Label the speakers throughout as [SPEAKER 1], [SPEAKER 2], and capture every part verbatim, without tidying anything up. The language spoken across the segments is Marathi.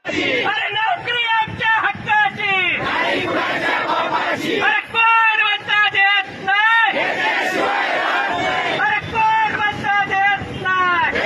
[SPEAKER 1] अरे नोकरी आमच्या हक्काची, अरे कोण म्हणता देत नाही, अरे कोण म्हणता देत नाही,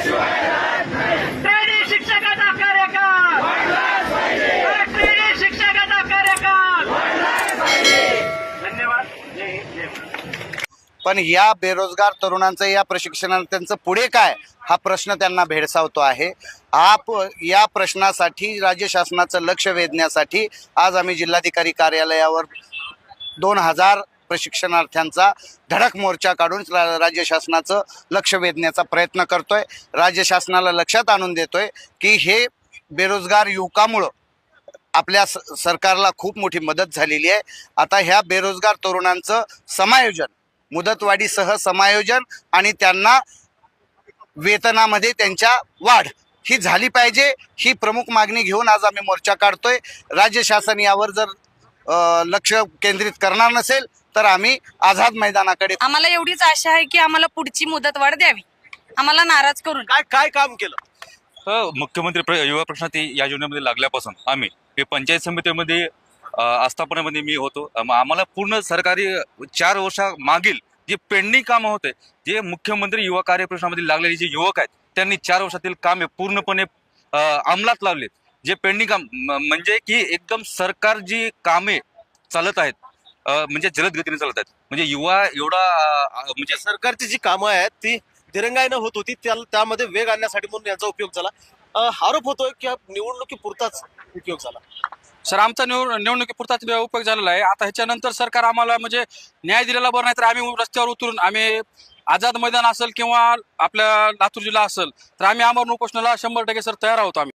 [SPEAKER 1] ट्रेनी शिक्षकाचा कार्यकाळ, अरे ट्रेनी शिक्षकाचा कार्यकाळ. धन्यवाद. जय हिंद, जय महाराष्ट्र.
[SPEAKER 2] पण या बेरोजगार तरुणांचं या प्रशिक्षणार्थ्यांचं पुढे काय हा प्रश्न त्यांना भेडसावतो आहे. आप या प्रश्नासाठी राज्य शासनाचं लक्ष वेधण्यासाठी आज आम्ही जिल्हाधिकारी कार्यालयावर दोन हजार प्रशिक्षणार्थ्यांचा धडक मोर्चा काढून रा- राज्य शासनाचं लक्ष वेधण्याचा प्रयत्न करतोय. राज्य शासनाला लक्षात आणून देतोय की हे बेरोजगार युवकामुळं आपल्या स सरकारला खूप मोठी मदत झालेली आहे. आता ह्या बेरोजगार तरुणांचं समायोजन, मुदतवाढीसह समायोजन आणि त्यांना वेतनामध्ये त्यांच्या वाढ ही झाली पाहिजे, ही प्रमुख मागणी घेऊन आज आम्ही मोर्चा काढतोय. राज्य शासन यावर जर अ, लक्ष केंद्रित करणार नसेल तर आम्ही आझाद मैदानाकडे.
[SPEAKER 3] आम्हाला एवढीच आशा आहे की आम्हाला पुढची मुदतवाढ द्यावी, आम्हाला नाराज करून.
[SPEAKER 4] काय काय काम केलं?
[SPEAKER 5] हो, मुख्यमंत्री प्र- युवा प्रश्नात या योजनेमध्ये लागल्यापासून आम्ही हे पंचायत समितीमध्ये अ, आस्थापनेमध्ये मी होतो. अम, आम्हाला पूर्ण सरकारी चार वर्षा मागील जे पेंडिंग कामं होते, जे मुख्यमंत्री युवा कार्यप्रश्नामध्ये लागलेले जे युवक आहेत त्यांनी चार वर्षातील कामे पूर्णपणे अ, अंमलात लावलेत. जे पेंडिंग काम म- म्हणजे की एकदम सरकार जी कामे चालत आहेत अ, म्हणजे जलद गतीने चालत आहेत. म्हणजे युवा एवढा अ, म्हणजे
[SPEAKER 4] सरकारची जी कामं आहेत ती दिरंगाईनं होत होती, त्या- त्यामध्ये वेग आणण्यासाठी म्हणून यांचा उपयोग झाला. अ, आरोप होतोय की हा निवडणुकीपुरताच उपयोग झाला.
[SPEAKER 6] सर, आमचा निवड निवडणुकीपुरताच उपयोग झालेला आहे. आता ह्याच्यानंतर सरकार आम्हाला म्हणजे न्याय दिलेला बरं नाही तर आम्ही रस्त्यावर उतरून आम्ही आझाद मैदान असेल किंवा आपल्या लातूर जिल्हा असेल तर आम्ही आमरण उपोषणाला शंभर टक्के सर तयार आहोत आम्ही.